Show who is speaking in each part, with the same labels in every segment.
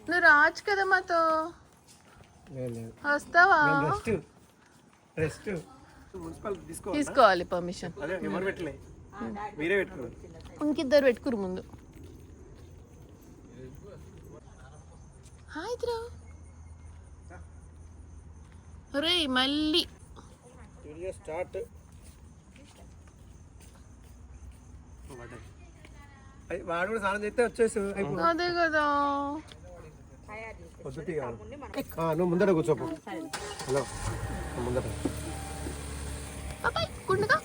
Speaker 1: నువ్వు రావచ్చు కదా మాతో. వస్తావా? తీసుకోవాలి పర్మిషన్. ఇంకిద్దరు పెట్టుకురు ముందు. హాయ్ రే మళ్ళీ
Speaker 2: స్టార్ట్. వాడు కూడా స్నానం చేస్తే వచ్చేసి
Speaker 1: అదే కదా.
Speaker 2: నువ్వు ముందర కూర్చోపు. హలో ముందర
Speaker 1: కుండగా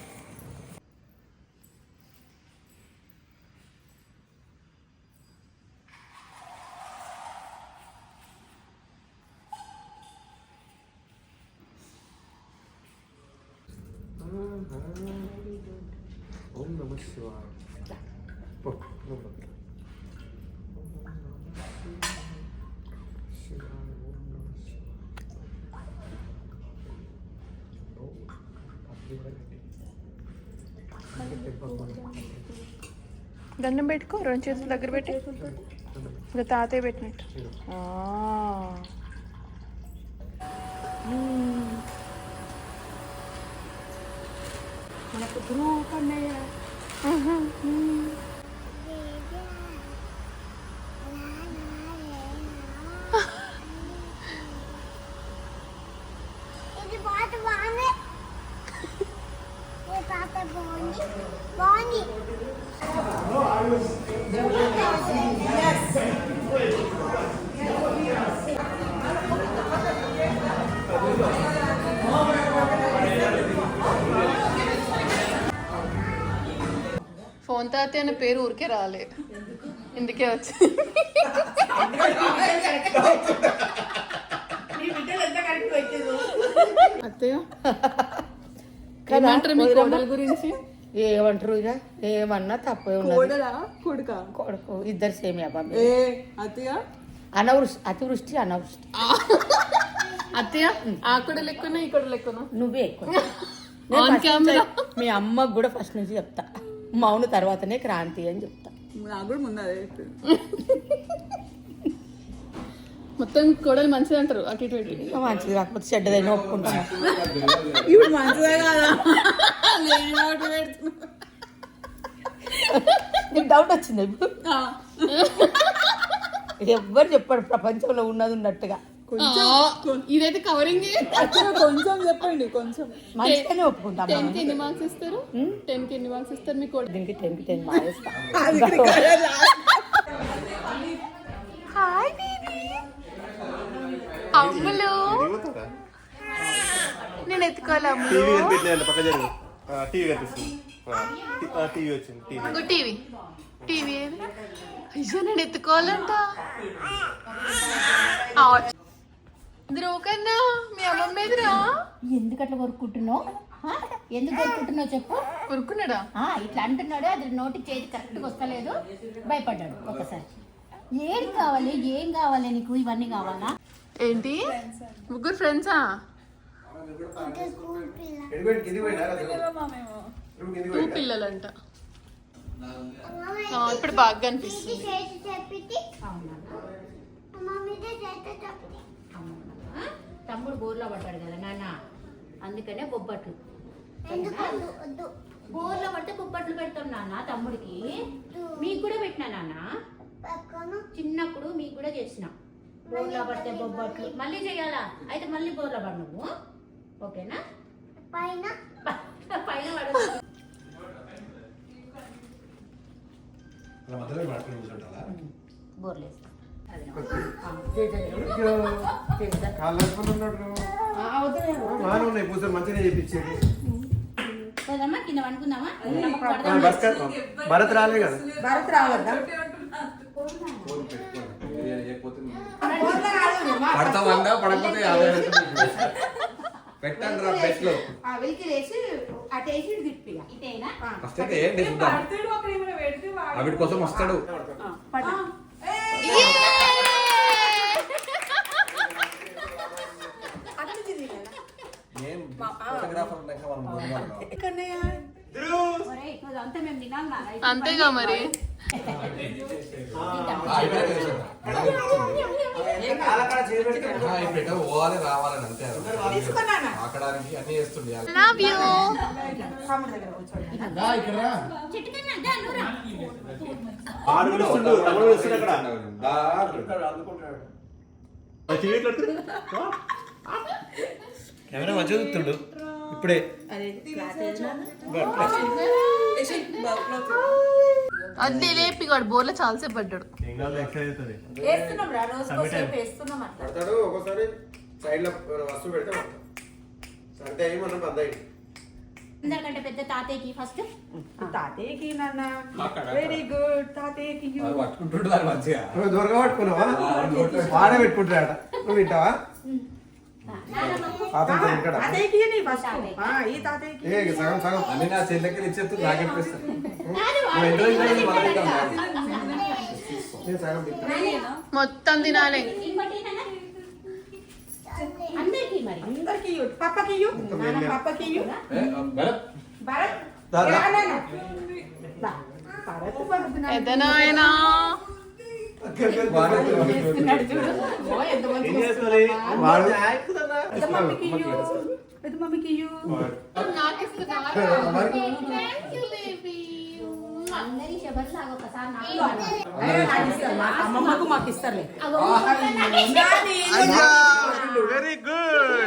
Speaker 2: ఓం నమః శివాయ.
Speaker 1: దండం పెట్టుకో, రెండు చేతుల దగ్గర పెట్టి. ఇంకా తాతయ్య పెట్టినట్టు.
Speaker 3: మనకు గ్రూప్ అన్నయ్య.
Speaker 1: ఫోన్ తాతయ్య అనే పేరు ఊరికే రాలే, ఇందుకే వచ్చి. అత్తయ్య ఏమంటారు మీ కోడల గురించి?
Speaker 3: ఏమంటారు ఇక ఏమన్నా తప్పే కొడుకు ఇద్దరు సేమే బాబు. అతివృష్టి అనావృష్టి.
Speaker 1: అత్తయ్య ఆ కూడా లెక్కన ఈ కూడా లెక్కన
Speaker 3: నువ్వే ఎక్కువ. మీ అమ్మకు కూడా ఫస్ట్ నుంచి చెప్తా, మౌన తర్వాతనే క్రాంతి అని చెప్తా.
Speaker 4: నాకు కూడా ముందు అదే
Speaker 1: మొత్తం కోడలు మంచిది అంటారు. అటు ఇటు
Speaker 3: మంచిది కాకపోతే చెడ్డదైనా ఒప్పుకుంటాను.
Speaker 4: ఇప్పుడు మంచిదే కదా.
Speaker 3: నీకు డౌట్ వచ్చింది ఇప్పుడు? ఎవ్వరు చెప్పాడు ప్రపంచంలో ఉన్నది ఉన్నట్టుగా.
Speaker 1: ఇదైతే కవరింగ్.
Speaker 4: కొంచెం చెప్పండి, కొంచెం
Speaker 3: మంచిగానే ఒప్పుకుంటాం.
Speaker 1: 10 కి ఎన్ని మార్క్స్ ఇస్తారు? 10 కి ఎన్ని మార్క్స్ ఇస్తారు మీ కోడలు?
Speaker 3: దీనికి 10 కి 10 మార్క్స్ ఇస్తా.
Speaker 1: హాయ్ బేబీ అమ్ములు, నేను ఎత్తుకోవాలి అమ్ములు. టీవీ టీవీ అయ్యో నేను ఎత్తుకోవాలంట. కన్నా మీ అమ్మమ్మ ఎదురా.
Speaker 3: ఎందుకు అట్లా కొరుక్కుంటున్నావు? ఎందుకు కొరుక్కుంటున్నావు చెప్పు.
Speaker 1: కొరుక్కున్నాడా?
Speaker 3: ఇట్లా అంటున్నాడు, అది నోటికి చేతి కరెక్ట్గా వస్తలేదు, భయపడ్డాడు ఒకసారి. ఏం కావాలి, ఏం కావాలి నీకు? ఇవన్నీ కావాలా?
Speaker 1: ఏంటి ముగ్గురు ఫ్రెండ్సా? టూ పిల్లలంట. ఇప్పుడు బాగా అనిపిస్తుంది.
Speaker 3: తమ్ముడు బోర్లో పడ్డాడు కదా నాన్న, అందుకనే బొబ్బట్లు. బోర్లో పడితే బొబ్బట్లు పెడతాం నాన్న తమ్ముడికి. మీకు కూడా పెట్టినా నాన్న, చిన్నప్పుడు మీకు కూడా చేసిన. బోర్లో పడితే బొబ్బట్లు మళ్ళీ చెయ్యాలా? అయితే మళ్ళీ బోర్లో పడు నువ్వు, ఓకేనా? పైన పైన పడు. బోర్లేస్తా. కింద అనుకుందామా?
Speaker 2: భరత్ రాలే కదా.
Speaker 3: భరత్ రావద్దా?
Speaker 2: పడతామందా పడకపోతే పెట్టండి రా బెస్ట్ లో. ఆవిడ కోసం వస్తాడు.
Speaker 1: అంతేగా మరి.
Speaker 2: పెట్ట పోవాలి రావాలని అంతే
Speaker 4: తీసుకున్నానా?
Speaker 2: ఆకడానికి అన్ని చేస్తుండే
Speaker 1: లవ్ యూ
Speaker 3: చెట్టు కన్నా దా, నువ్వు రా.
Speaker 5: కెమెరా మంచిగా చూస్తుండు ఇప్పుడే.
Speaker 1: అది లేపిగాడు బోర్లో చాలాసేపు పడ్డాడు.
Speaker 4: వేస్తున్నాం రా, రోజుకో సేపు వేస్తున్నాం అట్లా.
Speaker 5: పడతాడు ఒక్కోసారి సైడ్ లో వస్తువు పెడితే పడతాడు. సరితే అయ్యి మనం బంద్ అయ్యి
Speaker 3: అందరికంటే పెద్ద తాతయ్యకి ఫస్ట్
Speaker 4: తాతయ్యకి నాన్న వెరీ గుడ్ తాతయ్యకి you.
Speaker 2: పట్టుకుంటుండు దాన్ని మంచిగా
Speaker 5: దొరక పట్టుకున్నావా వాడే పెట్టుకుంటాడ నువ్వు వింటావా అతను ఇక్కడ
Speaker 4: తాతయ్యకి నీ ఫస్ట్ ఈ తాతయ్యకి
Speaker 5: ఏ సగం సగం
Speaker 2: అన్ని నా చెల్లెకి ఇచ్చేస్తూ నాకెప్పిస్తాను
Speaker 5: నేను సగం తింటా
Speaker 1: మొత్తం తినాలి.
Speaker 3: ఇంకోటి ఏంటన్నా? అందరికీ మరి
Speaker 4: అందరికి you. పప్పకి you. నాన్న పప్పకి you. భరత్
Speaker 5: దాదా.
Speaker 4: రా నాన్న. దా. భరత్ పడుతున్నాడు.
Speaker 1: ఎదనాయనా
Speaker 4: చేస్తున్నాడు చూడు. ఓ, ఎంత మంచిగా
Speaker 5: ఏం చేస్తుంది వాడు
Speaker 4: పెద్ద మమ్మీకి you. పెద్ద మమ్మీకి you.
Speaker 3: అందరి శబర్లాగా ఒకసారి నాకు
Speaker 4: ఏ, నాకు ఇస్తారు. మా అమ్మమ్మకు మాకు ఇస్తారులే.
Speaker 5: వెరీ గుడ్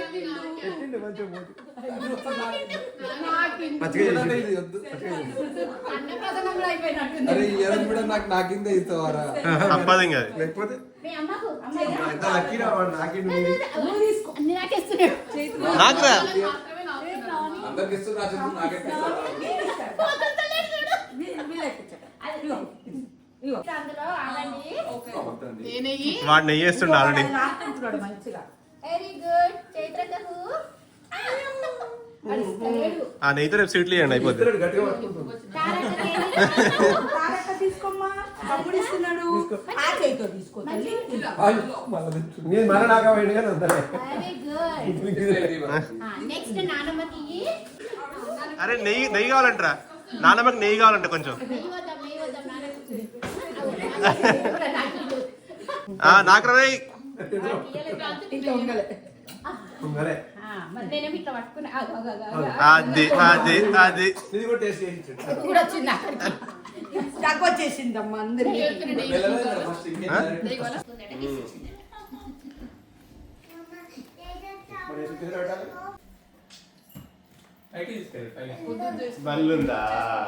Speaker 2: అరే ఇయర్ కూడా నాకిందే ఇస్తావారా
Speaker 5: తప్పదు ఇంకా
Speaker 2: లేకపోతే
Speaker 3: మీ అమ్మకు
Speaker 5: ఎంత లక్కీరా వాడు నాకిండు
Speaker 3: అన్ని నాకేస్తున్నాడు
Speaker 5: నాకురా
Speaker 2: అందరికి ఇస్తున్నా చెప్తూ నాకెప్పిస్తా
Speaker 3: అందులో ఆగండి
Speaker 1: నేనయ్యి
Speaker 5: వాడు నెయ్యి వేస్తుండే ఆల్రెడీ
Speaker 4: నాకుంటున్నాడు మంచిగా.
Speaker 3: వెరీ గుడ్ చైత్రకకు
Speaker 5: ఆ నెయ్యితో రేపు స్వీట్లు ఇవ్వండి అయిపోతుంది
Speaker 2: గట్టిగా పట్టుకుంటుంది
Speaker 4: తారక్క తీసుకోమ్మా. తమ్ముడు ఇస్తున్నాడు. ఆ చేతితో తీసుకో తల్లి.
Speaker 5: నేను మన నాగా పోయింది కానీ వద్దలే
Speaker 3: వెరీ గుడ్ నెక్స్ట్ నానమ్మకి
Speaker 5: అరే నెయ్యి నెయ్యి కావాలంటరా నాన్నమ్మకి నెయ్యి కావాలంట కొంచెం
Speaker 3: నెయ్యి వద్దాం నానమ్మకి
Speaker 5: నాకు రే
Speaker 4: ఇంకా ఉండాలి.
Speaker 5: ఉంగరే
Speaker 3: మరి నేనేమి ఇట్లా పట్టుకున్నా
Speaker 5: అది అది అది ఇది కూడా టేస్ట్ చేయించు
Speaker 3: కూడా వచ్చింది అక్కడికి
Speaker 4: తక్కువ వచ్చేసిందమ్మా అందరికి.
Speaker 5: బల్లుందా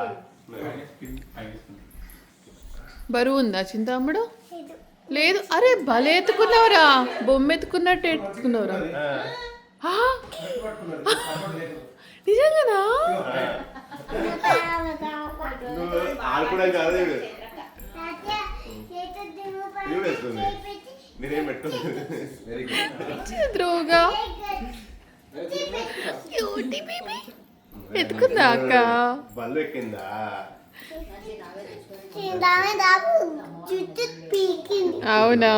Speaker 1: బరువు ఉందా చింతాముడు? లేదు. అరే భలే ఎత్తుకున్నావురా, బొమ్మ ఎత్తుకున్నట్టు ఎత్తుకున్నావురా. ఆ? నిజంగానా?
Speaker 5: ఆడుకోవడానికి కాదు వేస్తుంది మీరేం పెట్టుకుంది
Speaker 2: వెరీ గుడ్
Speaker 1: ద్రోగా క్యూటీ బేబీ ఎత్తుకుందా అక్క?
Speaker 5: బల్లు ఎక్కిందా
Speaker 1: అవునా?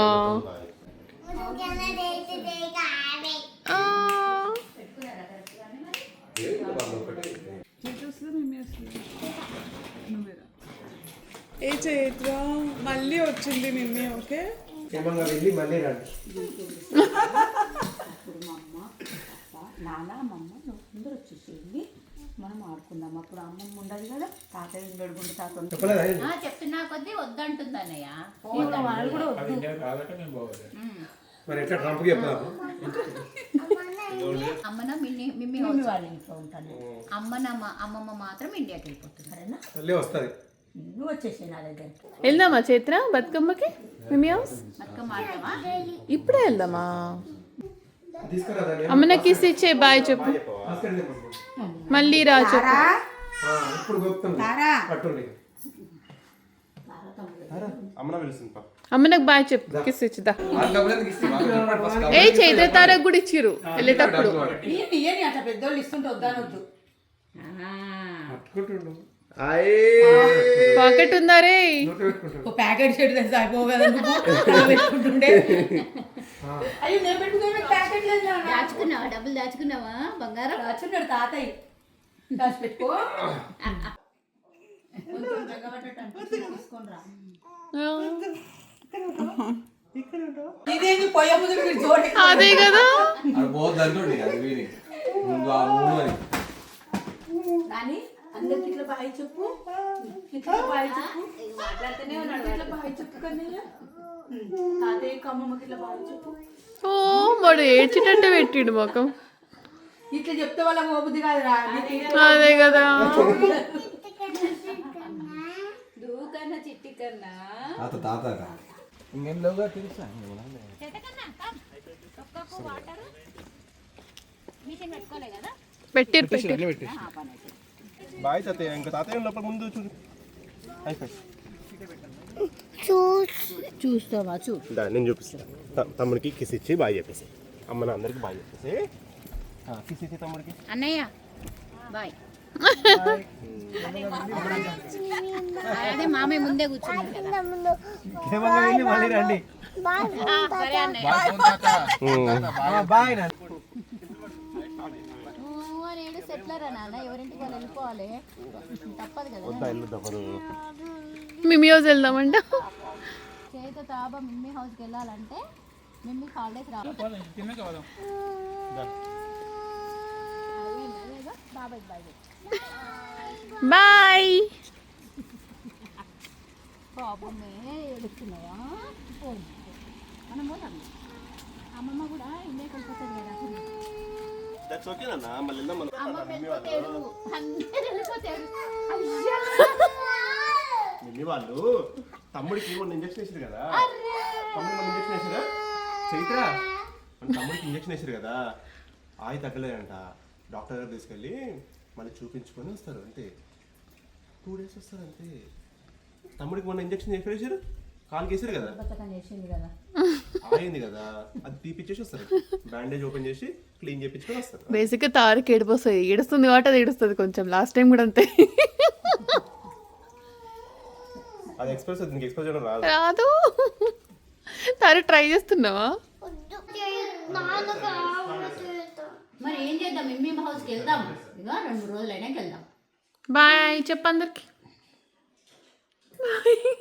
Speaker 1: ఆ.
Speaker 4: ఏ చైత్ర మళ్ళీ వచ్చింది నిన్నే. ఓకే
Speaker 5: ఏమన్నా వెళ్ళి మళ్ళీ రండి
Speaker 3: నాన్న అమ్మమ్మ అందరూ వచ్చేసేయండి, మనం ఆడుకుందాం. అప్పుడు అమ్మమ్మ ఉండదు కదా, తాతయ్య గడుగుండు తాత
Speaker 5: చెప్పలేదా
Speaker 3: చెప్తున్నా కొద్దీ వద్దంటుంది అన్నయ్య.
Speaker 4: వాళ్ళు కూడా వద్దు.
Speaker 5: మరి ఎట్లా ట్రంప్కి చెప్తాను
Speaker 3: అమ్మన మిమ్మి వాళ్ళ ఇంట్లో ఉంటాను. అమ్మమ్మ మాత్రం ఇండియాకి వెళ్ళిపోతుంది. సరేనా?
Speaker 5: మళ్ళీ వస్తుంది
Speaker 3: నువ్వు వచ్చేసి నా దగ్గరికి
Speaker 1: వెళ్దామా చైత్ర బతుకమ్మకి? మిమ్మీ హౌస్
Speaker 3: బతుకమ్మ ఆడతావా?
Speaker 1: ఇప్పుడే వెళ్దామా?
Speaker 5: తీసుకురా
Speaker 1: అమ్మనకి ఇచ్చే బాయ్ చెప్పు, మళ్ళీ రా చెప్పు.
Speaker 5: ఇప్పుడు గొప్పతుంది పట్టుండి అమ్మన పిలుస్తుంది
Speaker 1: అమ్మనకు బాయ్ చెప్పు, కిస్ ఇచ్చిదా.
Speaker 2: వాళ్ళకి ఇస్తావా
Speaker 1: ఏ చైత్ర తారకు కూడా ఇచ్చిర్రు వెళ్ళేటప్పుడు.
Speaker 4: ఇయ్యని అట్లా పెద్దోళ్ళు ఇస్తుంటే వద్దానొద్దు.
Speaker 5: పట్టుకుంటుండు
Speaker 1: పాకెట్ ఉందా రే?
Speaker 4: ఒక ప్యాకెట్ షర్ట్ తెలిసి అయిపోగల పెట్టుకుంటుండే. అయ్యో నేను పెట్టుకునే ప్యాకెట్ లేదు నాన్న.
Speaker 3: దాచుకున్నావా? డబ్బులు దాచుకున్నావా? బంగారం
Speaker 4: దాచున్నాడు తాతయ్య. దాచి పెట్టుకో.
Speaker 3: తీసుకొని రా.
Speaker 4: ఇదేంది పొయ్య ముందు మీరు జోడి
Speaker 1: అదే కదా.
Speaker 2: అది పోద్ది అంటుండే అది వీని ముందు ఆ మూడు అని
Speaker 4: నాని అందరికి ఇట్లా బాయ్ చెప్పు, ఇట్లా బాయ్ చెప్పు,
Speaker 3: మాట్లాడుతూనే ఉన్నాడు
Speaker 4: ఇట్లా బాయ్ చెప్పు కన్నయ్య. తాతయ్యకి అమ్మమ్మకి ఇట్లా బాయ్ చెప్పు.
Speaker 1: ఓ వాడు ఏడ్చిటట్టే పెట్టిండు ముఖం.
Speaker 4: ఇట్లా చెప్తే వాళ్ళ మోబుద్ది కాదు రా.
Speaker 1: అదే కదా.
Speaker 3: దూకన్నా చిట్టి కన్నా
Speaker 2: తాత తాత ఇంకేం లేవుగా తెలుసా
Speaker 3: వాటర్ మిషన్ పెట్టుకోలే కదా
Speaker 1: పెట్టిరు
Speaker 6: బాయ్ తాతయ్య. ఇంకా తాతయ్య లోపల ముందు చూడు. అయిపోయి
Speaker 3: చూస్తావా
Speaker 6: నేను చూపిస్తాను. తమ్ముడికి కిస్ ఇచ్చి బాయ్ చెప్పేసి, అమ్మ నా అందరికి బాయ్ చెప్పేసి, కిస్ ఇచ్చి తమ్ముడికి.
Speaker 3: అన్నయ్య బాయ్. అదే మామయ్య ముందే కూర్చున్నాడు కదా.
Speaker 6: మళ్ళీ రండి.
Speaker 3: సరే అన్నయ్య.
Speaker 6: బాయ్
Speaker 3: నేడు సెటిలర్ నాన్న, ఎవరింటికి వాళ్ళు వెళ్ళిపోవాలి, తప్పదు కదా.
Speaker 6: ఇల్లు తప్పదు.
Speaker 1: మిమ్మీ హౌస్ వెళ్దామంట.
Speaker 3: చేత తాబా మిమ్మీ హౌస్కి వెళ్ళాలంటే మిమ్మీ హాలిడేస్ రావాలి. బాబాయ్ బాయ్
Speaker 1: బాయ్.
Speaker 3: పాపమే ఏడుస్తున్నాయా. మనం పోతాం. అమ్మమ్మ కూడా ఇండియాకి వెళ్ళిపోతుంది కదా.
Speaker 6: దట్స్ ఓకే నాన్న. మళ్ళీ వెళ్దాం మనం.
Speaker 3: అమ్మ వెళ్ళిపోతాడు, అందరూ వెళ్ళిపోతాడు.
Speaker 6: మిమ్మీ వాళ్ళు తమ్ముడికి మొన్న ఇంజక్షన్ వేసారు కదా. తమ్ముడు మొన్న ఇంజక్షన్ వేసారా చైత్రా? మన తమ్ముడికి ఇంజక్షన్ వేసారు కదా, ఆయి తగ్గలేదంట. డాక్టర్ గారు తీసుకెళ్ళి మళ్ళీ చూపించుకొని వస్తారు అంతే. 2 days వస్తారు అంతే. తమ్ముడికి మొన్న ఇంజక్షన్ ఎక్కడ వేసారు? కాలుకి వేసారు కదా,
Speaker 3: బతకని చేసింది కదా.
Speaker 6: ఆయింది కదా, అది తీపిచ్చేసి వస్తారు. బ్యాండేజ్ ఓపెన్ చేసి క్లీన్ చేయించుకొని వస్తారు.
Speaker 1: బేసిక్గా తారకి ఏడిపోస్తుంది, ఏడుస్తుంది కాబట్టి అది ఏడుస్తుంది కొంచెం. లాస్ట్ టైం కూడా అంతే.
Speaker 6: అది ఎక్స్ప్రెస్ నీకు ఎక్స్ప్రెస్ చేయడం రాదు.
Speaker 1: రాదు. తారు ట్రై చేస్తున్నావా?
Speaker 3: మరి ఏం చేద్దాం, మిమ్మీ హౌస్కి వెళ్దాం. ఇక 2 రోజులైనాక వెళ్దాం.
Speaker 1: బాయ్ చెప్పు అందరికి.